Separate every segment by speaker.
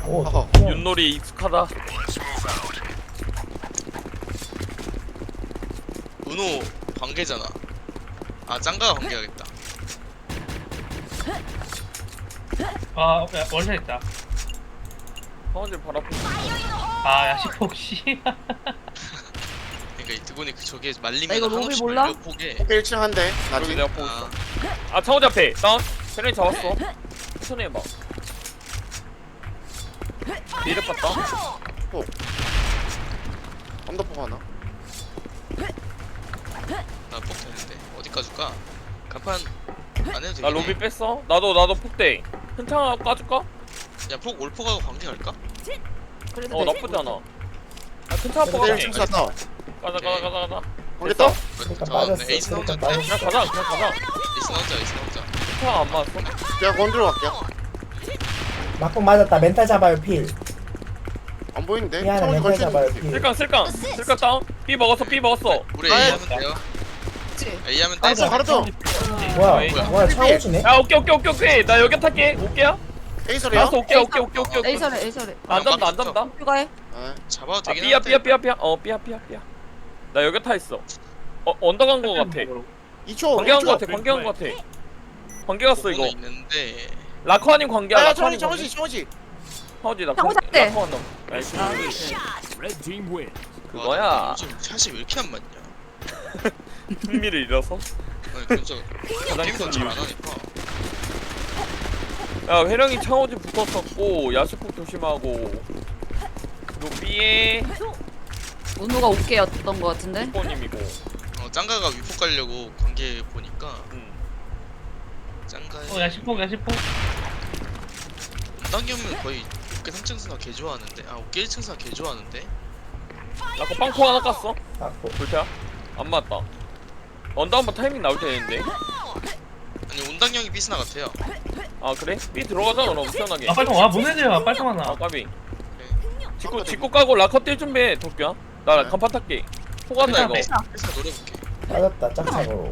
Speaker 1: 오,
Speaker 2: 윷놀이 익숙하다.
Speaker 3: 은호 관계잖아. 아 짱가가 관계하겠다.
Speaker 4: 아 오케이 원래 있다.
Speaker 2: 성원질 바로 앞에.
Speaker 4: 아 야식폭 씨.
Speaker 3: 그러니까 이 드곤이 그 저기에
Speaker 5: 나
Speaker 3: 말리면
Speaker 5: 이거 로비
Speaker 3: 한없이
Speaker 5: 몰라?
Speaker 3: 말려 포게.
Speaker 6: 오케이 1층 한대
Speaker 2: 여기
Speaker 6: 나지.
Speaker 2: 내가 보고 있어.
Speaker 3: 아
Speaker 2: 아 창호지 앞에 다운. 세련이 잡았어. 천천히 해봐. 이력 봤다.
Speaker 6: 언더포 하나.
Speaker 3: 나 폭탄인데 어디까지 줄까? 간판 안 해도 되겠네.
Speaker 2: 나 로비 뺐어. 나도 폭대. 큰창 까줄까?
Speaker 3: 야폭 올포가고 관계 갈까?
Speaker 5: 그래도
Speaker 2: 어
Speaker 5: 되지?
Speaker 2: 나쁘지 않아. 아 큰창
Speaker 6: 근데
Speaker 2: 포가게.
Speaker 6: 1층 쐈다.
Speaker 2: 가자.
Speaker 6: 모르겠다.
Speaker 1: 그러니까
Speaker 3: 나왔네.
Speaker 1: 빠졌어.
Speaker 3: 에이스 혼자
Speaker 1: 그러니까
Speaker 3: 있네.
Speaker 1: 빠졌어.
Speaker 2: 그냥 가자.
Speaker 3: 에이스 혼자.
Speaker 2: 큰창 안 맞았어.
Speaker 6: 그냥 건드려 갈게요.
Speaker 1: 막공 맞았다. 멘탈 잡아요, 필.
Speaker 6: 안 보이는데?
Speaker 1: 미안해,
Speaker 6: 창호지
Speaker 1: 멘탈
Speaker 6: 걸쳐
Speaker 1: 잡아요,
Speaker 6: 있는데.
Speaker 1: 필.
Speaker 2: 쓸깡 다운. B 먹었어.
Speaker 3: 우리
Speaker 6: 아,
Speaker 3: A
Speaker 6: 예.
Speaker 3: 하면 돼요.
Speaker 5: 그치?
Speaker 3: A 하면
Speaker 6: 가르쳐
Speaker 3: 돼.
Speaker 6: 가르쳐.
Speaker 1: 뭐야, 창호지네?
Speaker 2: 야 오케이. 나 여기 탈게. 오케이야?
Speaker 6: 에이설이야?
Speaker 2: 알았어 오케이.
Speaker 5: A설에 A설에
Speaker 2: 안 잡는다.
Speaker 5: 휴가해?
Speaker 6: 아,
Speaker 3: 잡아도 되긴
Speaker 2: 삐야.
Speaker 3: 한데.
Speaker 2: 삐야. 나 여기 타 있어. 언더 간 거 같아.
Speaker 6: 2초.
Speaker 2: 관계 간 거
Speaker 6: 1초.
Speaker 2: 같아. 관계 갔어 이거.
Speaker 3: 있는데
Speaker 2: 라커 아닌 관계야.
Speaker 6: 야,
Speaker 2: 라커 아닌
Speaker 6: 창호지.
Speaker 2: 허지 나
Speaker 5: 창호 잡대.
Speaker 2: 라커 한 놈. 나이스.
Speaker 7: Red team win.
Speaker 2: 그거야.
Speaker 3: 요즘 샷이 왜 이렇게 안 맞냐?
Speaker 2: 흥미를 잃어서.
Speaker 3: 아니 진짜
Speaker 2: 가장
Speaker 3: 게임도
Speaker 2: 큰
Speaker 3: 잘안
Speaker 2: 이유지.
Speaker 3: 하니까.
Speaker 2: 야 회령이 창호지 붙었었고 야수폭 조심하고. 그리고 B에
Speaker 5: 은우가 오케이였던 거 같은데?
Speaker 2: 호님이고.
Speaker 3: 짱가가 위폭 가려고 관계 보니까 짱가의
Speaker 4: 야식폭.
Speaker 3: 원당기면 거의 어깨 3층수나 개 좋아하는데 어깨 1층수나 개 좋아하는데
Speaker 2: 라커 빵코 하나 깠어.
Speaker 1: 막공.
Speaker 2: 볼테야? 안 맞다. 언더 한번 타이밍 나올 때 되는데.
Speaker 3: 아니 온당형이 비스나 같아요.
Speaker 2: 아 그래? B 들어가자 그럼 시원하게.
Speaker 4: 아 빨리 와 보내줘요. 빨리 와
Speaker 2: 아
Speaker 4: 나.
Speaker 2: 까비. 직구 까고 라커 뛸 준비해 덕규야. 나
Speaker 3: 네.
Speaker 2: 간판 탈게. 포가자 이거.
Speaker 3: 비스나 노려볼게.
Speaker 1: 빠졌다, 짝짝으로.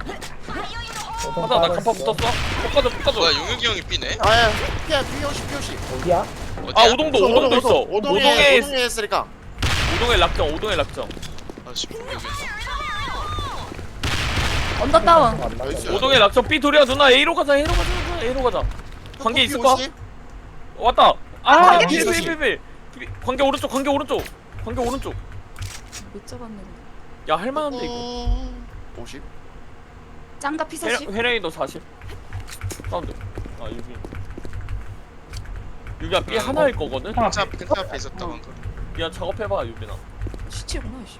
Speaker 2: 하자 나 간판 붙었어. poka줘.
Speaker 3: 뭐야 용혁이 형이 삐네?
Speaker 6: 아야. 피야 피오시.
Speaker 1: 어디야?
Speaker 2: 아 오동도 있어.
Speaker 6: 오동에 했으니까.
Speaker 2: 오동의 낙정.
Speaker 3: 아씨 여기 있나?
Speaker 5: 언더 다운
Speaker 1: 안 맞았어.
Speaker 2: 오동의 낙정 B 돌이야 누나 A로 가자. 관계 있을 거야? 왔다. 아
Speaker 6: 관계
Speaker 2: 필.
Speaker 6: 있었지.
Speaker 2: 관계 오른쪽.
Speaker 5: 못 잡았네
Speaker 2: 야 할만한데 이거.
Speaker 6: 50.
Speaker 5: 짱가 피사시
Speaker 2: 회령이도 40. 사운드. 아 유비야 B 하나일 거거든.
Speaker 3: 근처 앞에 있었다 방금.
Speaker 2: 야 작업해봐 유빈아.
Speaker 5: 시체구나 씨.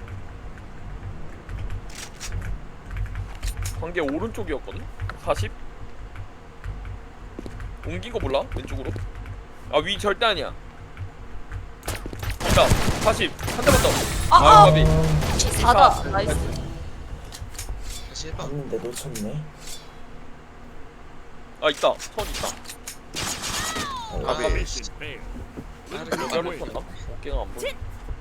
Speaker 2: 관계 오른쪽이었거든? 40? 옮긴 거 몰라? 왼쪽으로? 아 위 절대 아니야. 간다 40 한 대만 더.
Speaker 5: 아!
Speaker 2: 까비.
Speaker 5: 4다 나이스
Speaker 3: 다시 해봐.
Speaker 1: 봤는데 놓쳤네.
Speaker 2: 아 있다 선 있다.
Speaker 3: 아,
Speaker 6: 까비.
Speaker 7: Mission failed.
Speaker 2: 여기가 높았나? 어깨가 안 보여.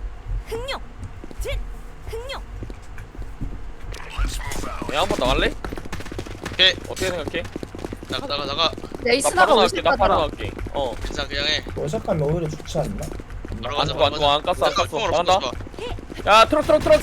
Speaker 2: 야 한번 나갈래?
Speaker 3: 오케이.
Speaker 2: 어떻게 생각해?
Speaker 3: 나가.
Speaker 5: 내
Speaker 2: 나
Speaker 5: 이스나가
Speaker 2: 바로 나갈게. 나 바로
Speaker 5: 오실까더라
Speaker 2: 나갈게. 어.
Speaker 3: 괜찮아 그냥 해.
Speaker 1: 월샷 가면 오히려 좋지 않나?
Speaker 3: 바로
Speaker 2: 안
Speaker 3: 가자.
Speaker 2: 죽어, 안 깠어.
Speaker 3: 나간다.
Speaker 2: 야 트럭.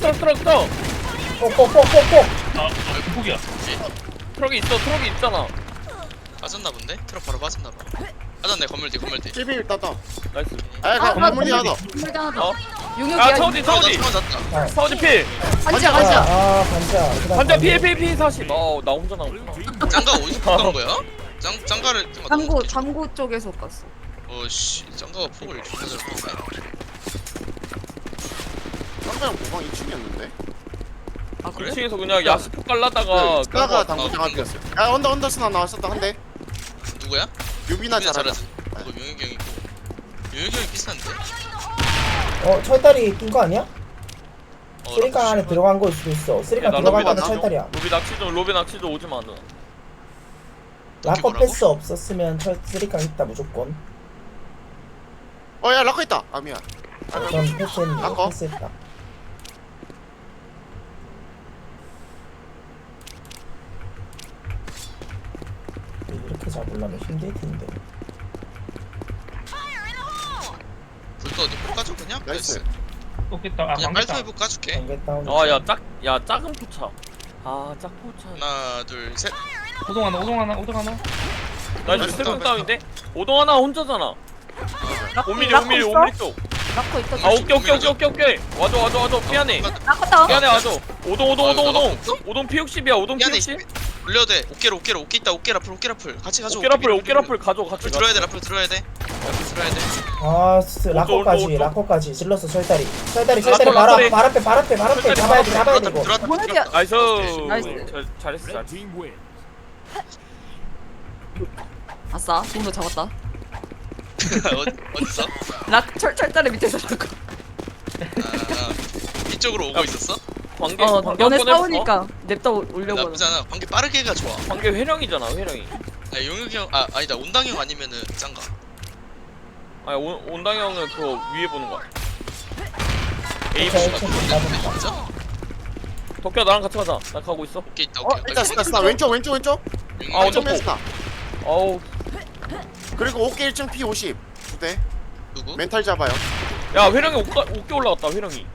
Speaker 1: 꼭꼭꼭꼭꼭!
Speaker 4: 아 폭이야.
Speaker 2: 트럭이 있잖아.
Speaker 3: 빠졌나 본데? 트럭 바로 빠졌나 봐. 빠졌네 건물 뒤.
Speaker 6: 1빌 땄다.
Speaker 2: 나이스.
Speaker 6: 아야
Speaker 5: 아,
Speaker 6: 건물이
Speaker 5: 나
Speaker 6: 하나.
Speaker 5: 물대 하나
Speaker 2: 어?
Speaker 5: 더
Speaker 2: 야
Speaker 5: 용역이야
Speaker 2: 차오지.
Speaker 3: 처음 잤다.
Speaker 2: 차오지 필.
Speaker 5: 반지야
Speaker 1: 반지야.
Speaker 2: 반자 필 40. 나 혼자 나오구나.
Speaker 3: 짱가 어디서 폭간 거야? 짱가를
Speaker 5: 당구 쪽에서 갔어
Speaker 3: 어씨 짱가가 폭을 존나 잘 쏘네.
Speaker 6: 깜짝이야 보방 2층이었는데.
Speaker 5: 아 그래?
Speaker 2: 2층에서 그냥 야스포 깔라다가
Speaker 6: 스나가 당구장 앞이었어. 야 언더스나 나왔었다 한 대.
Speaker 3: 누구야?
Speaker 6: 유비나 잘하자.
Speaker 3: 이거 용혁이 형이고. 용혁이 형이 비슷한데?
Speaker 1: 철다리 낀 거 아니야?
Speaker 3: 어,
Speaker 1: 쓰리깡 안에 들어간 거일 수도 있어. 쓰리깡
Speaker 2: 나
Speaker 1: 들어갈
Speaker 6: 로비
Speaker 1: 거면
Speaker 6: 맞나?
Speaker 1: 철다리야.
Speaker 2: 로비 낚시도 오지 마 너.
Speaker 1: 라커
Speaker 3: 뭐라고?
Speaker 1: 패스 없었으면 쓰리깡 있다 무조건.
Speaker 6: 야 락커 있다. 아 미안.
Speaker 1: 전 패스했네.
Speaker 6: 라커?
Speaker 1: 패스했다. 이렇게 잡으려면 힘들 텐데.
Speaker 3: 또 어디 못 가져 그냥?
Speaker 6: 나이스.
Speaker 3: 나이스.
Speaker 4: 좋겠다. 아
Speaker 3: 그냥
Speaker 4: 망했다.
Speaker 3: 빨토 까줄게.
Speaker 1: 관계 다운.
Speaker 2: 야 작은 포차. 아 짝포차.
Speaker 3: 하나 둘 셋.
Speaker 4: 오동 하나 오동 하나 오동 하나.
Speaker 2: 나 지금
Speaker 3: 나이스,
Speaker 2: 세명
Speaker 3: 나이스.
Speaker 2: 다운인데? 오동 하나 혼자잖아.
Speaker 5: 라코
Speaker 2: 5mm
Speaker 5: 라코
Speaker 2: 5mm
Speaker 5: 있어?
Speaker 2: 5mm 쪽.
Speaker 5: 라코 있다.
Speaker 2: 아 오케이. 와줘. 미안해.
Speaker 5: 라코 다운.
Speaker 2: 미안해 와줘. 오동.
Speaker 3: 없어?
Speaker 2: 오동 P60이야. 오동
Speaker 3: 미안해.
Speaker 2: P60.
Speaker 3: 올려도 돼. 어깨 있다. 어깨 라플. 같이 가져.
Speaker 2: 오케이 라플 가져. 같이
Speaker 3: 라플
Speaker 2: 가.
Speaker 3: 들어야 돼. 라플 들어야 돼.
Speaker 1: 아 라코까지
Speaker 2: 오른쪽.
Speaker 1: 라코까지 질렀어 설다리
Speaker 2: 라코,
Speaker 1: 바로
Speaker 2: 라코리.
Speaker 1: 앞에
Speaker 2: 설다리
Speaker 1: 잡아야 돼
Speaker 3: 들어왔다.
Speaker 1: 이거
Speaker 3: 들어왔다.
Speaker 5: 뭐야, 이게?
Speaker 2: 나이스.
Speaker 5: 나이스.
Speaker 2: 잘했어.
Speaker 7: Red team win.
Speaker 5: 아싸, 동도 잡았다.
Speaker 3: 어딨어?
Speaker 5: 철다리 밑에서 라코.
Speaker 3: 이쪽으로 오고 있었어?
Speaker 2: 관계
Speaker 5: 너네
Speaker 2: 한번 해볼까?
Speaker 5: 싸우니까 냅다 올려고.
Speaker 3: 나쁘지 않아. 관계 빠르게가 좋아.
Speaker 2: 관계 회령이잖아 회령이.
Speaker 3: 아 용혁이 형 아니다. 온당 형 아니면은 짱가.
Speaker 2: 아니 온당 형은 그 위에 보는 거야. A
Speaker 1: 오케이,
Speaker 2: 보는
Speaker 1: 오케이.
Speaker 2: 거야.
Speaker 3: 진짜?
Speaker 2: 덕기야 나랑 같이 가자. 나 가고 있어.
Speaker 3: 오케이 있다.
Speaker 6: 일단 스나 왼쪽
Speaker 2: 아,
Speaker 6: 왼쪽
Speaker 2: 어떡해.
Speaker 6: 스나.
Speaker 2: 어우
Speaker 6: 그리고 어깨 1층 P50 두대
Speaker 3: 누구?
Speaker 6: 멘탈 잡아요.
Speaker 2: 야 회령이 어깨 올라갔다 회령이.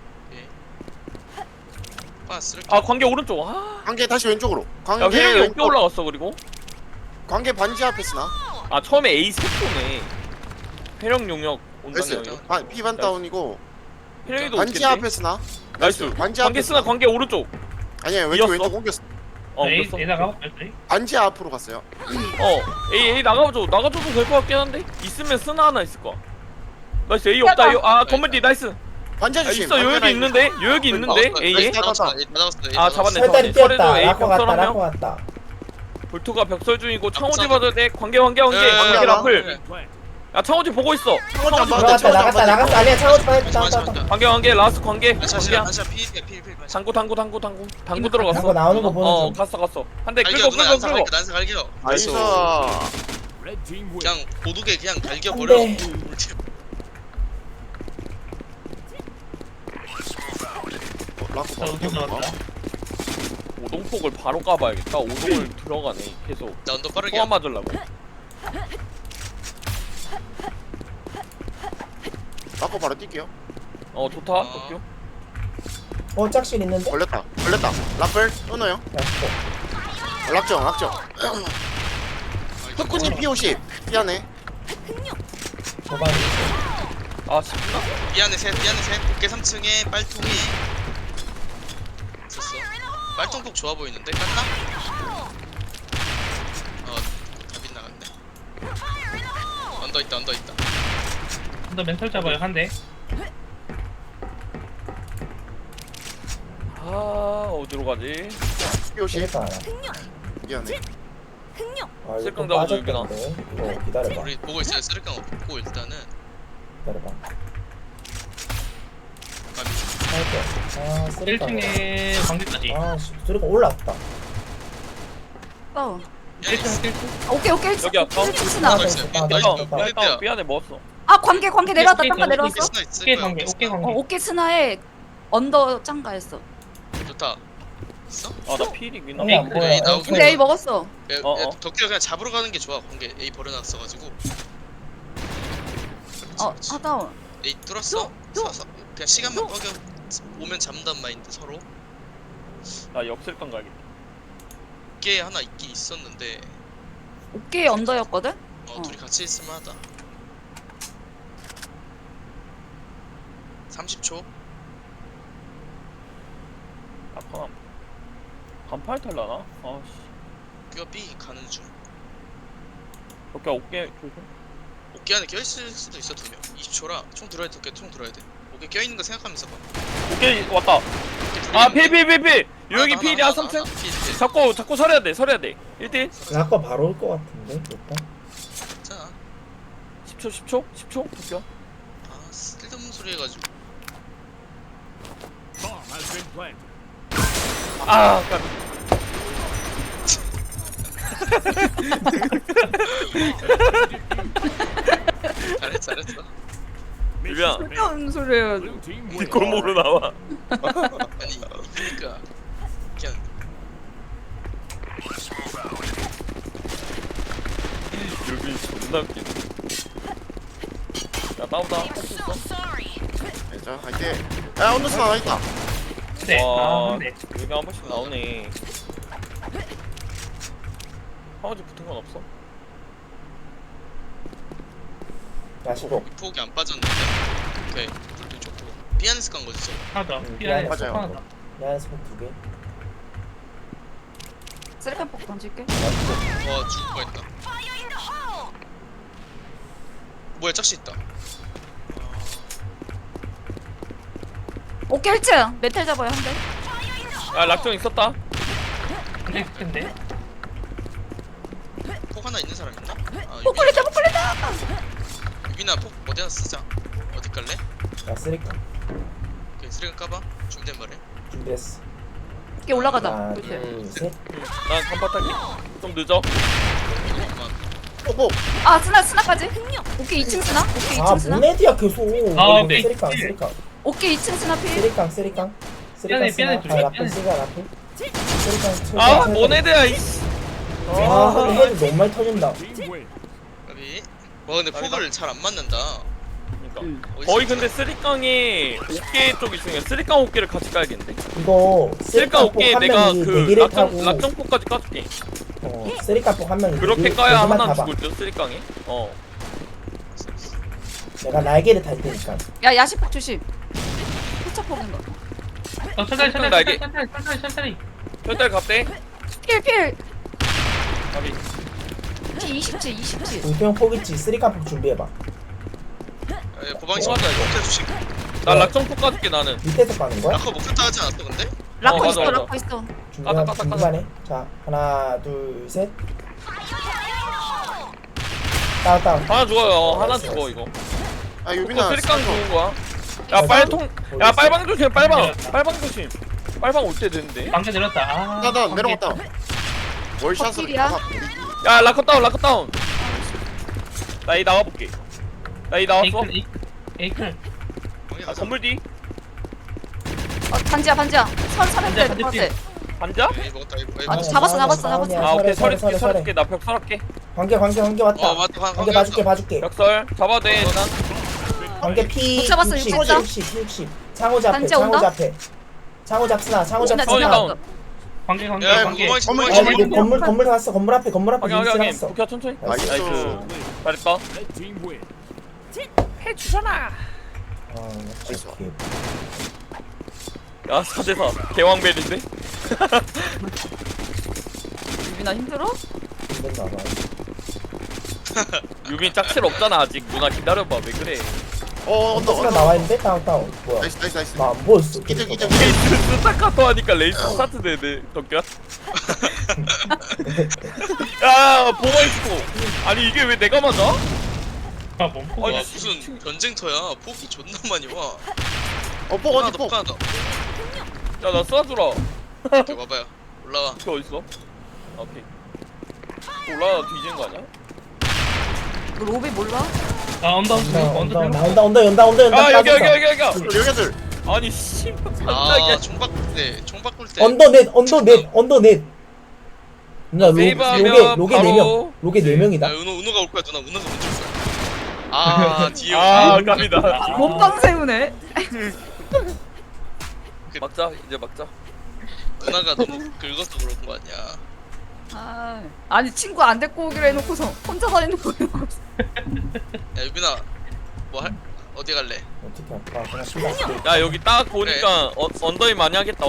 Speaker 3: 쓸게.
Speaker 2: 아 관계 오른쪽. 아.
Speaker 6: 관계 다시 왼쪽으로.
Speaker 2: 야
Speaker 6: 관계
Speaker 2: 회령이 어깨
Speaker 6: 왼쪽.
Speaker 2: 올라갔어 그리고.
Speaker 6: 관계 반지 앞에 스나.
Speaker 2: 아 처음에 A 세포네. 회령 용역 온당
Speaker 6: 나이스.
Speaker 2: 형이.
Speaker 6: P반 다운이고
Speaker 2: 회령이도
Speaker 6: 반지
Speaker 2: 어깨인데?
Speaker 6: 앞에 스나.
Speaker 2: 나이스.
Speaker 6: 반지
Speaker 2: 관계
Speaker 6: 앞에
Speaker 2: 쓰나 관계 오른쪽.
Speaker 6: 아니야 왼쪽
Speaker 2: 이었어?
Speaker 6: 옮겼어.
Speaker 4: A
Speaker 2: 옮겼어.
Speaker 4: 에다가 빨리.
Speaker 6: 반지 앞으로 갔어요.
Speaker 2: A 나가줘도 될 것 같긴 한데 있으면 쓰나 하나 있을 거야. 나이스 A 없다. 아 건물 뒤 나이스.
Speaker 6: 반지
Speaker 2: 아,
Speaker 6: 주심.
Speaker 2: 있어 요역이 있는데 A에. 아 잡았네.
Speaker 1: 설다리
Speaker 2: 설에도
Speaker 1: 뛰었다
Speaker 2: A
Speaker 1: 라코
Speaker 2: 벽설
Speaker 1: 갔다
Speaker 2: 한
Speaker 1: 라코
Speaker 2: 명.
Speaker 1: 갔다
Speaker 2: 볼트가 벽설 중이고 창호지
Speaker 3: 앞서.
Speaker 2: 받을 때 관계
Speaker 3: 네,
Speaker 2: 라플.
Speaker 7: Plant.
Speaker 2: 야 창호지 보고 있어.
Speaker 1: 들어갔다 나갔어 아니야 창호 나갔다
Speaker 2: 관계 라스트 관계. 관계야.
Speaker 3: 필.
Speaker 2: 당구 들어갔어.
Speaker 1: 당구 나오는 거 보는 중.
Speaker 2: 갔어. 한 대
Speaker 3: 갈겨
Speaker 2: 끌고.
Speaker 3: 난사 갈겨.
Speaker 6: 나이스.
Speaker 7: Red team win.
Speaker 3: 그냥 보두개 그냥 갈겨
Speaker 1: 안
Speaker 3: 버려.
Speaker 1: 돼.
Speaker 6: 라코
Speaker 4: 자
Speaker 6: 바로
Speaker 4: 오동 나왔다.
Speaker 2: 오동폭을 바로 까봐야겠다. 오동을 들어가네. 계속
Speaker 3: 나 언더 빠르게.
Speaker 2: 포함 맞으려고.
Speaker 6: 라코 바로 뛸게요.
Speaker 2: 좋다.
Speaker 3: 어.
Speaker 2: 덕규.
Speaker 1: 짝실 있는데
Speaker 6: 걸렸다. 라플 끊어요. 락정. 흑군이 P50 미안해.
Speaker 1: 도발
Speaker 2: 아 쉽나?
Speaker 3: 미안해 셋. 어깨 3층에 빨통이 있었어. 빨통폭 좋아 보이는데 깠나? 다 빗나갔네. 언더 있다.
Speaker 4: 너 멘탈 잡아요 한 대.
Speaker 2: 아 어디로 가지?
Speaker 6: P50
Speaker 1: 되겠다 하나
Speaker 6: 미안해.
Speaker 1: 아 이거
Speaker 2: 쓸끔
Speaker 1: 또
Speaker 2: 나오죠,
Speaker 1: 빠졌던데 이거 기다려봐
Speaker 3: 우리 보고 있어요. 쓰레깡 없고 일단은
Speaker 1: 기다려봐
Speaker 3: 아,
Speaker 1: 할게 아 쓰리카
Speaker 4: 1층에 관계까지.
Speaker 1: 아씨 쓰리카 올라왔다
Speaker 5: 다운.
Speaker 4: 1층.
Speaker 5: 오케이.
Speaker 2: 여기 아까?
Speaker 5: 1층 스나.
Speaker 3: 나이스.
Speaker 2: 삐안에 먹었어.
Speaker 5: 아 관계 내려왔다.
Speaker 4: 오케이,
Speaker 5: 땅가 내려왔어.
Speaker 4: 오케이 관계. 오케이 관계.
Speaker 5: 오케이 스나에 언더 짱가했어.
Speaker 3: 좋다. 있어?
Speaker 2: 아나 필이긴
Speaker 1: 아니 안
Speaker 2: 한데.
Speaker 1: 보여
Speaker 3: A 나오고.
Speaker 5: 근데 A 먹었어.
Speaker 3: 덕기가 그냥 잡으러 가는 게 좋아. 관계 A 버려놨어가지고.
Speaker 5: 다운.
Speaker 3: A 뚫었어? 그냥 시간만 꺼겨 오면 잡는단 마인드 서로.
Speaker 2: 나 역셀강 가야겠다.
Speaker 3: 게 하나 있긴 있었는데
Speaker 5: 오케이 언더였거든.
Speaker 3: 둘이 같이 있으면 하다. 30초.
Speaker 2: 아까 간팔 탈라나? 아씨.
Speaker 3: 뼈 B 가는 중.
Speaker 2: 덕규야 어깨 조심.
Speaker 3: 어깨 안에 껴있을 수도 있어 2명. 20초라 총 들어야 돼. 총 들어야 돼. 어깨 껴있는 거 생각하면서 봐.
Speaker 2: 오케이 왔다. 아 필. 여기 필이야 3층. 자꾸 서려야 돼. 1대1.
Speaker 1: 라코 바로 올 것 같은데 일단
Speaker 3: 괜찮아.
Speaker 2: 10초. 덕규야.
Speaker 3: 쓸데없는 소리 해가지고.
Speaker 7: Bomb has been planted.
Speaker 2: 아 깜.
Speaker 3: 잘했어.
Speaker 2: 유비야.
Speaker 5: 쓸데없는 소리 해가지고.
Speaker 7: Blue team
Speaker 2: 네
Speaker 7: win.
Speaker 2: 골목으로 나와.
Speaker 3: 아니 그러니까 그냥
Speaker 2: 유비 존나 웃기네. 야 나보다 할 수 있어?
Speaker 6: 자 갈게. 야 언더스 하나 있다.
Speaker 4: 네.
Speaker 2: 와,
Speaker 4: 아, 네.
Speaker 2: 여기 한 번씩 나오네. 하우지 붙은 건 없어?
Speaker 1: 야시고
Speaker 3: 폭이 안 빠졌는데. 오케이. 불도 좋고. 피아니스 간 거지 저거.
Speaker 4: 하나 더.
Speaker 1: 응,
Speaker 4: 피아노
Speaker 6: 맞아요.
Speaker 4: 하나 더.
Speaker 1: 야스두 개.
Speaker 5: 쓰레기 폭 던질게.
Speaker 3: 와 죽을 뻔했다. 뭐야 짝시 있다.
Speaker 5: 어깨 1층. 메탈 잡아요 한 대.
Speaker 2: 야 락정 있었다.
Speaker 4: 근데 근데
Speaker 3: 폭 하나 있는 사람 있나? 아
Speaker 5: 폭 걸렸다 폭 걸렸다.
Speaker 3: 유빈아 폭 어디다 쓰자. 어디 갈래?
Speaker 1: 야 쓰리깡
Speaker 3: 오케이 쓰레기 까봐. 준비된 말해.
Speaker 1: 준비했어.
Speaker 5: 어깨 올라가자.
Speaker 1: 하나
Speaker 5: 그렇지.
Speaker 1: 둘셋.
Speaker 2: 난 간파 탈게. 좀 늦어.
Speaker 3: 잠깐만.
Speaker 6: 뽀뽀.
Speaker 5: 아 스나까지. 어깨 2층 스나. 어깨
Speaker 1: 아
Speaker 5: 2층 스나.
Speaker 1: 모네디야 계속.
Speaker 4: 아,
Speaker 1: 이거
Speaker 4: 네.
Speaker 1: 쓰리깡
Speaker 4: 네.
Speaker 1: 쓰리깡
Speaker 5: 어깨 2층 스나 필.
Speaker 1: 쓰리깡
Speaker 4: 삐안해, 삐안해,
Speaker 1: 쓰나. 아 라플
Speaker 4: 삐안해.
Speaker 1: 쓰가 라플. 쓰리깡
Speaker 2: 아 모네드야 이씨.
Speaker 1: 아 하긴 헤드 너무 많이 터진다.
Speaker 7: Team win.
Speaker 3: 여기. 와 근데 폭을 잘 안 맞는다.
Speaker 2: 그러니까.
Speaker 3: 어디서
Speaker 2: 거의
Speaker 3: 있어?
Speaker 2: 근데 쓰리깡에 어깨 쪽 있으니까 쓰리깡 어깨를 같이 까야겠는데.
Speaker 1: 이거
Speaker 2: 쓰리깡
Speaker 1: 쓰리깡
Speaker 2: 어깨에
Speaker 1: 폭한
Speaker 2: 내가
Speaker 1: 명이
Speaker 2: 그
Speaker 1: 내기를 타고
Speaker 2: 락정포까지 까줄게.
Speaker 1: 쓰리깡 폭한 명이
Speaker 2: 그렇게 까야 하나 죽을 듯 쓰리깡에. 어.
Speaker 1: 내가 날개를 달그 테니까.
Speaker 5: 야 야시폭 조심. 포차폭인 거.
Speaker 4: 천천히
Speaker 2: 날개.
Speaker 4: 천천히.
Speaker 2: 절대 갑대.
Speaker 5: 필.
Speaker 2: 가비.
Speaker 5: 27.
Speaker 1: 우평 폭 있지. 쓰리깡 폭 준비해봐.
Speaker 3: 예, 보방식
Speaker 2: 맞아, 이거.
Speaker 3: 목표 주식.
Speaker 2: 나 락정포 까줄게 나는.
Speaker 1: 밑에서 까는 거야?
Speaker 3: 아까 목표 따지 않았어 근데?
Speaker 5: 락커
Speaker 2: 맞아,
Speaker 5: 있어
Speaker 2: 맞아.
Speaker 5: 락커 있어.
Speaker 2: 까다.
Speaker 1: 중간에. 자 하나 둘 셋. 다운.
Speaker 2: 하나 죽어요. 하나
Speaker 1: 알았어,
Speaker 2: 죽어
Speaker 1: 알았어.
Speaker 2: 이거.
Speaker 6: 아
Speaker 2: 이거
Speaker 6: 유빈아.
Speaker 2: 쓰리깡 좋은 거야. 야 빨통. 야 빨방 조심 빨방. 빨방 조심. 빨방 올 때 되는데.
Speaker 4: 방금 내렸다. 아.
Speaker 6: 나다 내려갔다. 월샷을.
Speaker 5: 커플이야?
Speaker 2: 야 락커 다운. 나 이 나와볼게. 나 이 나왔어.
Speaker 4: 에이클.
Speaker 2: 아, 건물 뒤.
Speaker 5: 반지야. 설했대
Speaker 4: 반지,
Speaker 5: 설했대.
Speaker 2: 반자?
Speaker 3: 에이 먹었다 에이
Speaker 5: 아,
Speaker 3: 먹었다.
Speaker 5: 잡았어.
Speaker 2: 아 오케이
Speaker 1: 설해.
Speaker 2: 설할게. 나 벽 설할게.
Speaker 1: 관계 왔다.
Speaker 3: 맞다
Speaker 1: 관계 봐줄게.
Speaker 2: 벽설 잡아도 돼 일단.
Speaker 1: 관계 P
Speaker 5: 못 잡았어,
Speaker 1: 60.
Speaker 5: 육십점.
Speaker 1: 60. 창호자 앞에.
Speaker 5: 단지 온다?
Speaker 1: 창호 잡스나.
Speaker 2: 다운.
Speaker 4: 관계.
Speaker 3: 야
Speaker 4: 관계.
Speaker 3: 보방식
Speaker 6: 건물,
Speaker 1: 아
Speaker 3: 보방식.
Speaker 1: 이거 건물 갔어. 건물 앞에
Speaker 2: 확인
Speaker 1: 지나갔어.
Speaker 2: 부캐 천천히.
Speaker 6: 나이스.
Speaker 2: 나이스. 잘했다.
Speaker 7: Red team win.
Speaker 2: 해주잖아.
Speaker 1: 아,
Speaker 6: 나이스.
Speaker 1: 오케이.
Speaker 2: 야 4대4 개왕벨인데?
Speaker 5: 유빈아 힘들어?
Speaker 1: 힘든가 봐.
Speaker 2: 유빈 짝칠 없잖아 아직. 누나 기다려봐 왜 그래.
Speaker 1: 언더스가 나와 있는데 다운. 뭐야?
Speaker 6: 나이스.
Speaker 1: 나 안 보였어.
Speaker 6: 기대.
Speaker 2: 레이스 스타카토 하니까 레이스 스타트 되네 덕규야. 야 보고 있고. 아니 이게 왜 내가 맞아?
Speaker 4: 아 몸폭.
Speaker 3: 와
Speaker 2: 아니,
Speaker 3: 무슨 전쟁터야. 폭이 존나 많이 와.
Speaker 6: 어폭
Speaker 3: 하나
Speaker 6: 어디
Speaker 3: 더
Speaker 6: 폭.
Speaker 3: 하나 더.
Speaker 2: 야나 쏴주라.
Speaker 3: 오케이 와봐요. 올라와.
Speaker 2: 그 어딨어? 아, 오케이. 올라가 뒤지는 거 아니야?
Speaker 5: 너 로비 몰라?
Speaker 4: 아 언더.
Speaker 1: 언더 연다.
Speaker 2: 아 여기.
Speaker 6: 여기들.
Speaker 2: 아니 씨.
Speaker 3: 아 총 바꿀 때.
Speaker 1: 언더넷. 누나
Speaker 2: 세이브하면
Speaker 1: 로게
Speaker 2: 바로-
Speaker 1: 4명. 로게 4명이다.
Speaker 3: 야 은호가 올 거야 누나. 은호가 먼저 올 거야. 아 뒤에
Speaker 2: 아
Speaker 3: 오네.
Speaker 2: 갑니다.
Speaker 5: 몸빵 세우네.
Speaker 2: 막자 이제 막자.
Speaker 3: 누나가 너무 긁어서 그런 거 아니야.
Speaker 5: 아니 친구 안 데리고 오기로 해놓고서 혼자 다니는 거야.
Speaker 3: 야 유빈아 어디 갈래?
Speaker 1: 어떻게 할까? 그냥 신경
Speaker 2: 야 여기 딱 보니까 언더이 많이 하겠다.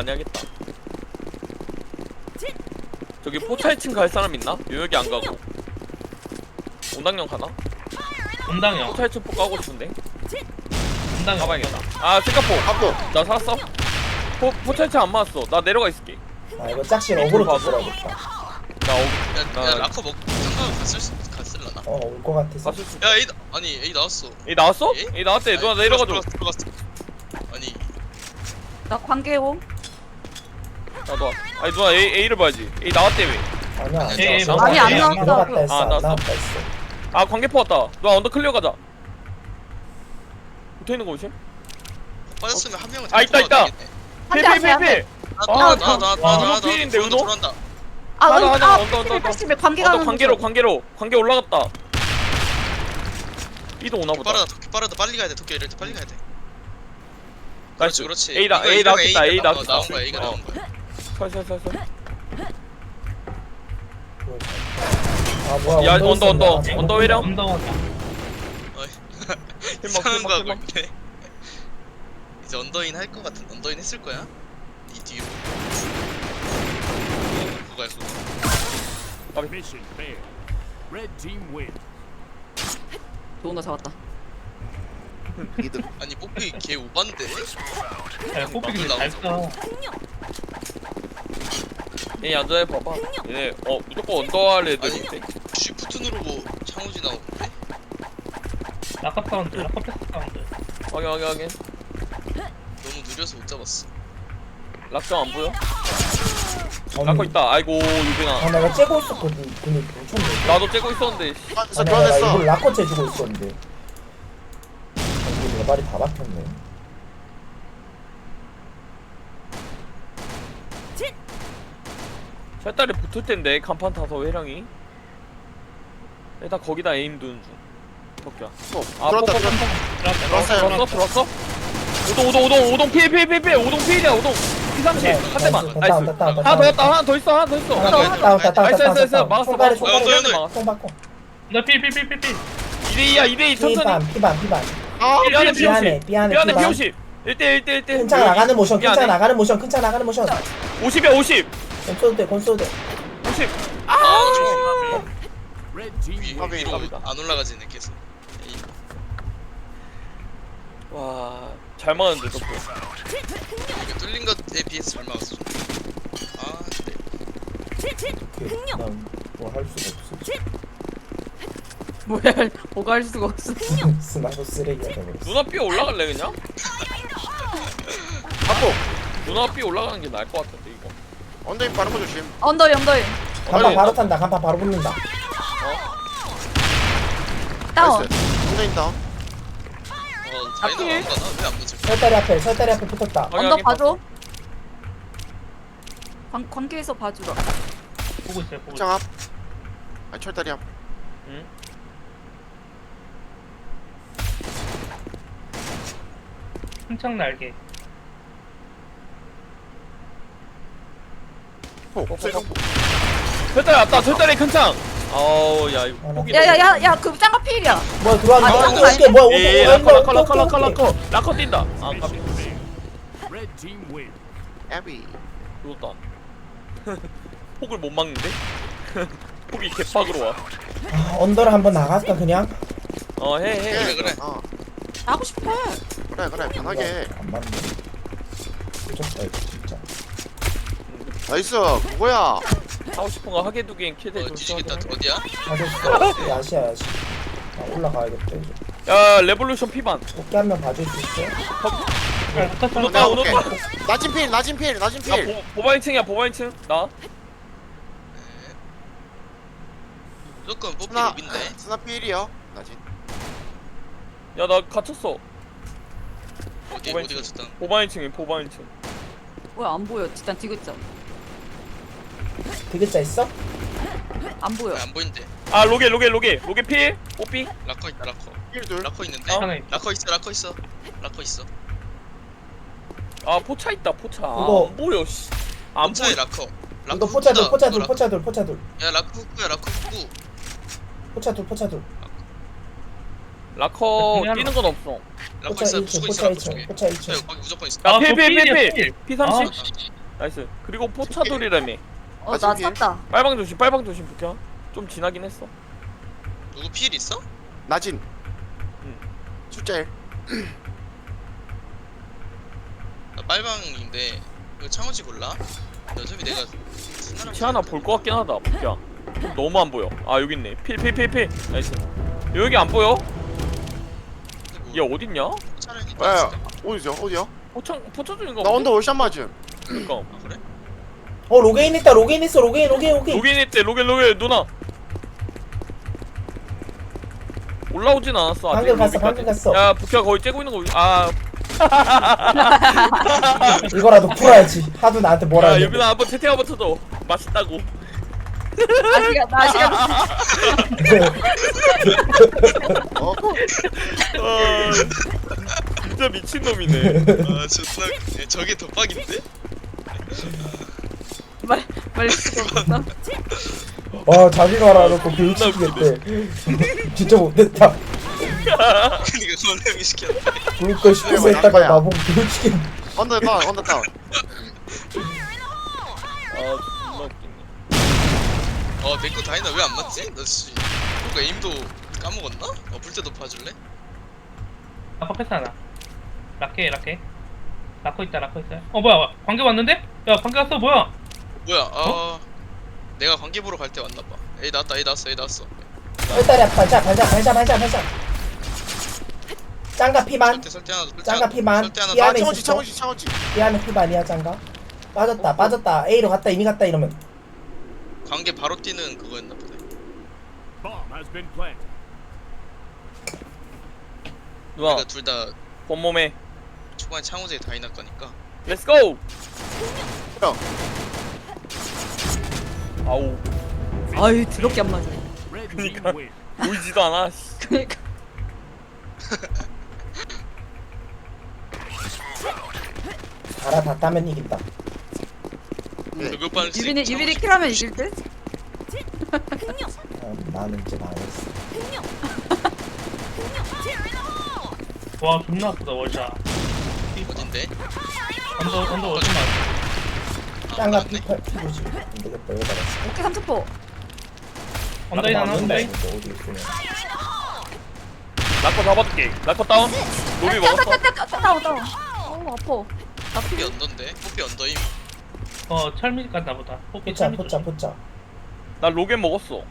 Speaker 2: 저기 포차 2층 갈 사람 있나? 요역이 안 가고. 온당령 가나?
Speaker 4: 온당이야.
Speaker 2: 포차 2층 포 까고 싶은데.
Speaker 4: 온당이야.
Speaker 2: 가봐야겠다. 아 스카포.
Speaker 6: 갖고.
Speaker 2: 나 살았어. 포차 2층 안 맞았어. 나 내려가 있을게.
Speaker 1: 아 이거 짝실 어그로 줬어야겠다.
Speaker 3: 야 라커 먹고 상가가 갔을라나?
Speaker 1: 올 것 같아서.
Speaker 2: 갔을 수.
Speaker 3: 야 에이 아니 에이 나왔어.
Speaker 2: 이 나왔어?
Speaker 3: 예?
Speaker 2: 이 나왔대. 누나 내려가줘.
Speaker 3: 들어갔어. 아니
Speaker 5: 나 관계호.
Speaker 2: 나도 와. 아니 누나 A를 봐야지. A 나왔대 왜?
Speaker 1: 아니야.
Speaker 4: 에이,
Speaker 1: 나왔어.
Speaker 5: 아니, 안
Speaker 1: 들어갔다
Speaker 5: 나왔다.
Speaker 1: 했어.
Speaker 2: 아,
Speaker 1: 안
Speaker 2: 나왔어?
Speaker 1: 나왔다 했어.
Speaker 2: 아 관계포 왔다. 누나 언더 클리어 가자. 붙어있는 거 보심?
Speaker 3: 빠졌으면 한 명은
Speaker 2: 아, 있다.
Speaker 5: 한 대, 한 대, 한 대.
Speaker 3: 나나나나나
Speaker 2: 은호 필인데, 은호?
Speaker 3: 들어간다.
Speaker 2: 하나, 언더.
Speaker 5: 관계 가는
Speaker 2: 관계로 관계 올라갔다. B도 오나 보다.
Speaker 3: 빠르다 빨리 가야 돼. 도쿄 이럴 때 빨리 가야 돼.
Speaker 2: 나이스.
Speaker 3: 그렇지.
Speaker 2: A 나 A 나왔겠다. A 나왔겠다.
Speaker 3: 나온 거야. A가 나온 거야.
Speaker 2: 살살살살.
Speaker 1: 아 뭐야
Speaker 2: 야
Speaker 1: 언더
Speaker 2: 언더
Speaker 1: 있었네. 아,
Speaker 2: 언더 외령.
Speaker 4: 언덕 왔다.
Speaker 3: 이상한 거 하고
Speaker 2: 힐막.
Speaker 3: 있네. 이제 언더인 할 거 같은. 언더인 했을 거야. 이 뒤로. 그거야 그거.
Speaker 7: Mission failed. Red team wins.
Speaker 5: 좋은 거 잡았다.
Speaker 6: 이득.
Speaker 3: 아니 뽀삐 걔 오반데.
Speaker 4: 야 뽀삐 잘 써.
Speaker 2: 얘 앉아해 봐봐. 얘네 무조건 언더 할 애들인데.
Speaker 3: 쉬프트 누르고 창호지 나오는데.
Speaker 4: 라커 사운드. 라커 패스 사운드.
Speaker 2: 확인.
Speaker 3: 너무 느려서 못 잡았어.
Speaker 2: 락정 안 보여?
Speaker 1: 아니,
Speaker 2: 락커 있다. 아이고 유빈아.
Speaker 1: 아 내가 째고 있었거든. 근데 놓쳤네.
Speaker 2: 나도 째고 있었는데.
Speaker 6: 교환됐어
Speaker 1: 아니 나
Speaker 6: 교환됐어.
Speaker 1: 이걸 라커 째주고 있었는데. 내 말이 다 막혔네.
Speaker 2: 샷다리 붙을 텐데 간판 타서 회랑이. 일단 거기다 에임 두는 중. 덕기야.
Speaker 6: 들어왔다
Speaker 2: 뽀뽀
Speaker 6: 들어왔다.
Speaker 2: 들어왔어? 들어왔어? 오동 필 오동 필이야 오동 P30 한 대만 나이스 하나 더 했다 하나 더 있어
Speaker 1: 하나
Speaker 3: 나이스,
Speaker 2: 나이스 막았어
Speaker 1: 손가락
Speaker 3: 막았어.
Speaker 1: 손가락
Speaker 3: 어,
Speaker 1: 손 바꿔.
Speaker 4: 나 필.
Speaker 2: 2대2야 천천히
Speaker 1: 피반.
Speaker 2: 미안해
Speaker 1: 미안해,
Speaker 2: P50
Speaker 1: 미안해,
Speaker 2: 미안해
Speaker 1: 피반.
Speaker 2: P50 1대1
Speaker 1: 큰창 나가는 모션, 큰창 나가는 모션, 큰창 나가는 모션.
Speaker 2: 50이야 50
Speaker 1: 건 쏘도 돼.
Speaker 2: 50
Speaker 7: Red team
Speaker 3: 위,
Speaker 7: wins.
Speaker 3: 위로
Speaker 2: 갑니다.
Speaker 3: 안 올라가지네 계속. 에이,
Speaker 2: 와잘 막았는데 덕구
Speaker 3: 이거 뚫린 것에 비해서 잘 막았어. 아 근데
Speaker 1: 그냥 뭐 할 수가 없어.
Speaker 5: 뭐야? 뭐가 할 수가 없어.
Speaker 1: 스나도 쓰레기야 저거.
Speaker 2: 누나 B 올라갈래 그냥?
Speaker 6: 바꿔.
Speaker 2: 누나 B 올라가는 게 나을 것 같은데 이거
Speaker 6: 언더인 빠른 거 조심.
Speaker 5: 언더인.
Speaker 1: 간판 바로 탄다. 간판 바로 붙는다.
Speaker 5: 다운.
Speaker 6: 나이스. 언더인 다운.
Speaker 3: 자이나
Speaker 5: 앞에.
Speaker 3: 안 가나? 왜안 보지?
Speaker 1: 설다리 앞에 붙었다.
Speaker 5: 언더 봐줘. 관계에서 봐주라.
Speaker 4: 보고 있어요. 보고 있어.
Speaker 6: 창 앞. 아 철다리 앞.
Speaker 2: 응?
Speaker 4: 큰창 날개.
Speaker 6: 셀프.
Speaker 2: 절다리 왔다 절다리 큰창 아우 야 이거 포기
Speaker 5: 야야야야 그 짱가 필이야.
Speaker 1: 뭐야 들어왔네.
Speaker 5: 아니,
Speaker 1: 오케이,
Speaker 5: 아니,
Speaker 1: 오케이 뭐야 오케이.
Speaker 2: 에이 라커 라커 뛴다 아
Speaker 7: Mission
Speaker 2: 까비
Speaker 7: failed. Red team wins.
Speaker 6: 에비.
Speaker 2: 죽었다 폭을 못 막는데? 폭이 개빡으로 와
Speaker 1: 언더를 한번 나갈까 그냥?
Speaker 2: 해
Speaker 3: 그래.
Speaker 6: 어.
Speaker 5: 하고 싶어.
Speaker 6: 그래 편하게.
Speaker 1: 안 맞네. 미쳤다 이거 진짜.
Speaker 6: 나이스. 그거야.
Speaker 2: 하고 싶은 거 하게 두기엔 킬대 좀
Speaker 3: 뒤지겠다.
Speaker 2: 심하긴
Speaker 3: 어디야?
Speaker 1: 맞았어. 야시야. 올라가야겠다 이제.
Speaker 2: 해. 야 레볼루션 피반
Speaker 1: 어깨 한 명 봐줄 수 있어?
Speaker 2: 오노빠 오노빠
Speaker 6: 낮은 필.
Speaker 2: 야 보바 1층이야 보바 1층 나
Speaker 3: 무조건 뽀삐
Speaker 6: 스나.
Speaker 3: 로빈데.
Speaker 6: 스나 필이요. 낮은.
Speaker 2: 야 나 갇혔어
Speaker 3: 어디
Speaker 2: 보바
Speaker 3: 어디
Speaker 2: 1층
Speaker 3: 갔었다.
Speaker 2: 보바 1층이 보바 1층
Speaker 5: 뭐야 안 보여. 일단 디귿자.
Speaker 1: 디귿자 있어?
Speaker 5: 안 보여.
Speaker 3: 안 보인대.
Speaker 2: 아 로게 필 뽀삐
Speaker 3: 라커 있다 라커.
Speaker 6: 필 둘.
Speaker 3: 라커 있는데.
Speaker 2: 어?
Speaker 4: 하나 있어.
Speaker 3: 라커 있어.
Speaker 2: 아 포차 있다 포차
Speaker 1: 이거-
Speaker 2: 안 보여 씨안
Speaker 3: 혼자의
Speaker 2: 보여
Speaker 3: 라커.
Speaker 1: 이거
Speaker 3: 후크다.
Speaker 1: 포차둘.
Speaker 3: 야 라커 후크야 라커 후크.
Speaker 1: 포차둘.
Speaker 2: 라커
Speaker 4: 그냥-
Speaker 2: 뛰는 건 없어
Speaker 3: 라커
Speaker 1: 포차
Speaker 3: 있어
Speaker 1: 1층,
Speaker 3: 무조건 있어
Speaker 1: 포차
Speaker 3: 라커
Speaker 1: 1층,
Speaker 3: 쪽에.
Speaker 1: 포차 1층.
Speaker 3: 거기 무조건 있어.
Speaker 2: 야
Speaker 4: 아,
Speaker 2: 필
Speaker 4: 필.
Speaker 2: P30 나이스 그리고 포차돌이라며
Speaker 5: 나
Speaker 6: 아직
Speaker 5: 샀다.
Speaker 2: 빨방 조심 북야 좀 지나긴 했어
Speaker 3: 누구 필 있어?
Speaker 6: 낮은. 숫자 1.
Speaker 3: 나 빨방인데 이거 창호지 골라? 어차피 내가
Speaker 2: 치 하나 볼 것 같긴 하다 북야 좀 너무 안 보여 아 여기 있네 필 나이스 여기 안 보여? 얘 어딨냐?
Speaker 3: 차라리
Speaker 6: 야 어디야?
Speaker 2: 포차 중인가
Speaker 6: 나 언더 월샷 맞음.
Speaker 2: 그니까
Speaker 3: 아 그래?
Speaker 1: 로게인 있다. 로게인 있어. 로게인.
Speaker 2: 로겐 있대 로겐 누나 올라오진 않았어 아직
Speaker 1: 방금 갔어.
Speaker 2: 야 북야 거의 째고 있는 거 아
Speaker 1: 이거라도 풀어야지. 하도 나한테 뭐라
Speaker 2: 야
Speaker 1: 했는데.
Speaker 2: 유빈아 한번 채팅 한번 쳐줘 맛있다고
Speaker 5: 나 시간
Speaker 6: 어?
Speaker 2: 아, 진짜 미친놈이네.
Speaker 3: 아 존나 웃기네. 저게 더 빡인데?
Speaker 5: 말 수가 없어.
Speaker 1: 아 자기 말아놓고 교육시키겠대. 진짜 못됐다.
Speaker 3: 그니까 건nem이 시켰다.
Speaker 1: 그러니까 싶어서
Speaker 6: 왜
Speaker 1: 했다가
Speaker 6: 나가야?
Speaker 1: 나보고 교육시켰.
Speaker 6: 언더 다운 언더 다운.
Speaker 2: 아 존나 웃기네.
Speaker 3: 내거 다이나 왜 안 맞지? 나 씨. 뭔가 에임도 까먹었나? 불때 높아줄래?
Speaker 4: 라커 패스 하나. 라케. 라커 있다. 뭐야? 관계 왔는데? 야, 관계 왔어. 뭐야?
Speaker 3: 뭐야? 내가 관계 보러 갈 때 왔나 봐. 에이 나왔어.
Speaker 1: 일단야 발자. 짱가 피만.
Speaker 3: 설대 하나.
Speaker 1: 짱가 피만.
Speaker 3: 설대 하나.
Speaker 1: 이 안에
Speaker 6: 창호지
Speaker 1: 있었어.
Speaker 6: 창호지.
Speaker 1: 이 안에 피만이야 짱가. 빠졌다. A로 갔다 이미 갔다 이러면.
Speaker 3: 관계 바로 뛰는 그거였나 보네.
Speaker 7: Bomb has been planted.
Speaker 2: 누나
Speaker 3: 그러니까 둘 다
Speaker 2: 본몸에
Speaker 3: 초반에 창호제 다이나 거니까.
Speaker 2: 렛츠 고.
Speaker 6: 형.
Speaker 2: 아우
Speaker 5: 아유 더럽게 안 맞아.
Speaker 7: Red team
Speaker 2: 그니까.
Speaker 7: win.
Speaker 2: 보이지도 않아. 씨.
Speaker 5: 그러니까.
Speaker 1: 알아 다 따면 이긴다.
Speaker 3: 그것만
Speaker 5: 유빈이 킬하면 이길 듯?
Speaker 1: 나는 이제 망했어.
Speaker 4: 와, 존나 아프다. 월샷.
Speaker 3: 어딘데?
Speaker 4: 언더 월샷 맞아.
Speaker 1: 짱가
Speaker 3: 맞네.
Speaker 1: 피부지. 안 되겠다 여기다 놨어.
Speaker 5: 오케이 3초포.
Speaker 4: 언더인 하나. 언더인.
Speaker 1: 어디 있으면.
Speaker 2: 라커 잡아줄게. 라커 다운. 로비 먹었어.
Speaker 5: 다운. 어우 아파. 나
Speaker 3: 뽀삐
Speaker 5: 피.
Speaker 3: 언더인데? 뽀삐 언더임.
Speaker 4: 철미 갔나 보다. 호피
Speaker 1: 포차
Speaker 4: 철미.
Speaker 1: 포차.
Speaker 2: 나 로겐 먹었어.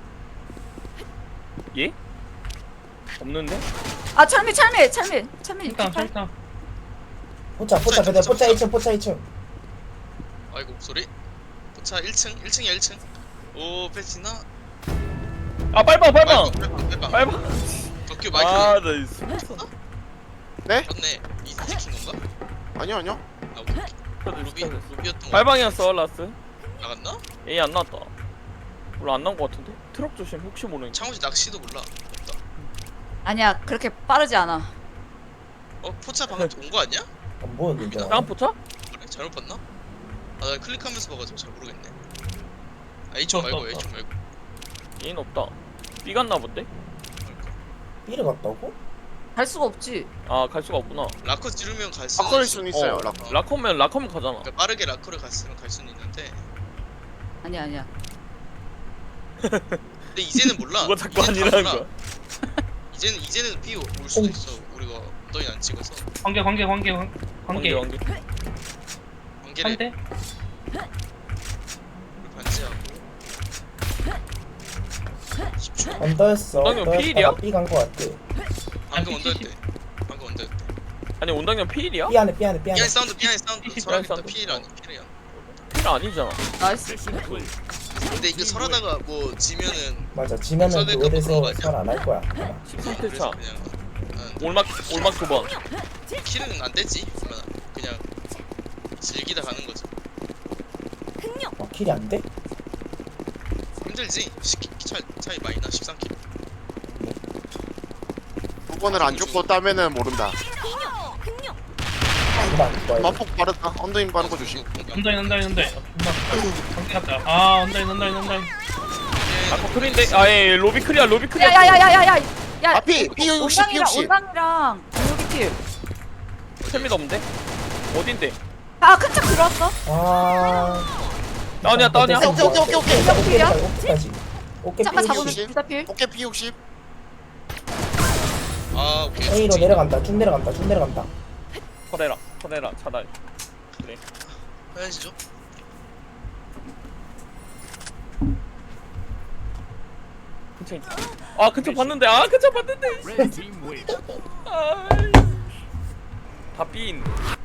Speaker 2: 예? 없는데?
Speaker 5: 아 철미.
Speaker 4: 일단 철당.
Speaker 1: 포차 배달 포차 2층.
Speaker 3: 아이고 소리. 포차 1층이야 1층. 오 패치나?
Speaker 2: 아 빨방.
Speaker 3: 빨방. 덕규 마이크.
Speaker 2: 아 나이스.
Speaker 6: 네?
Speaker 3: 맞네. 이 지킨 건가?
Speaker 6: 아니요.
Speaker 3: 아 오케이. 루비였던 거
Speaker 2: 빨방이었어 라스.
Speaker 3: 나갔나?
Speaker 2: A 안 나왔다. 몰라 안 나온 거 같은데? 트럭 조심 혹시 모르니까.
Speaker 3: 창호지 낚시도 몰라. 없다.
Speaker 5: 아니야 그렇게 빠르지 않아.
Speaker 3: 포차 방금 온 거 아니야?
Speaker 1: 안 보였는데.
Speaker 2: 쌍 포차?
Speaker 3: 그래? 잘못 봤나? 나 클릭하면서 봐가지고 잘 모르겠네. A쪽 말고 A쪽 말고.
Speaker 2: A는 없다. B 갔나 본데?
Speaker 1: B를 갔다고?
Speaker 5: 갈 수가 없지.
Speaker 2: 아 갈 수가 없구나.
Speaker 3: 라커 찌르면 갈 수.
Speaker 6: 바꿔릴 수는 있어요.
Speaker 2: 어.
Speaker 6: 락.
Speaker 2: 라커면 가잖아.
Speaker 3: 그러니까 빠르게 라커를 갔으면 갈 수는 있는데.
Speaker 5: 아니야.
Speaker 3: 근데 이제는 몰라.
Speaker 2: 누가 자꾸
Speaker 3: 이제는 다
Speaker 2: 아니라는
Speaker 3: 몰라.
Speaker 2: 거야.
Speaker 3: 이제는 B 올 수도 있어. 우리가 너희 안 찍어서.
Speaker 4: 관계.
Speaker 2: 관계.
Speaker 3: 관계를
Speaker 4: 한 대.
Speaker 3: 우리 반지하고. 10초.
Speaker 1: 언더였어.
Speaker 2: 언더면 필이야?
Speaker 1: B 간거 같아.
Speaker 3: 방금
Speaker 4: 아,
Speaker 3: 언더였대. 방금 언더였대.
Speaker 2: 아니 온당형 P1이야?
Speaker 1: B 안에.
Speaker 3: 피아니 사운드. 설하겠다.
Speaker 2: 사운드.
Speaker 3: 피일 아니. 피일이야.
Speaker 2: P1 아니잖아.
Speaker 5: 나이스.
Speaker 7: Mission clear.
Speaker 3: 근데 이거 설하다가 뭐 지면은
Speaker 1: 맞아. 지면은
Speaker 3: 써낼까
Speaker 1: 그거에서
Speaker 3: 그런 거 아니야?
Speaker 1: 설 안 할 거야.
Speaker 2: 13대 차.
Speaker 3: 그래서 그냥
Speaker 2: 올막 2번.
Speaker 3: 킬은 안 되지. 그냥 즐기다 가는 거지.
Speaker 1: 킬이 안 돼?
Speaker 3: 힘들지. 차이 많이 나. 13킬.
Speaker 6: 두 번을 안 죽고 따면은 모른다.
Speaker 1: 이거 안 거야.
Speaker 6: 마폭 빠르다. 언더인 빠른 거 조심.
Speaker 4: 언더인. 존나 관계 갔다. 아, 언더인.
Speaker 2: 라커 크린데? 아예 로비 크리야.
Speaker 5: 야야야야야야. 야.
Speaker 6: 아, P 60.
Speaker 5: 온당이랑 여기 킬.
Speaker 2: 템이 없는데? 어딘데?
Speaker 5: 큰 척 들어왔어.
Speaker 2: 다운이야.
Speaker 6: 오케이.
Speaker 1: 오케이까지. 오케이.
Speaker 5: 잠깐
Speaker 1: B
Speaker 5: 잡으면
Speaker 6: 60.
Speaker 5: 둘다 필.
Speaker 6: 오케이 P 60.
Speaker 3: 아 오케이.
Speaker 1: A로 내려간다. 쭉 내려간다.
Speaker 2: 커레라 차단. 그래.
Speaker 3: 해야지죠.
Speaker 2: 근처 봤는데.
Speaker 7: Red team win.
Speaker 2: 다 B인.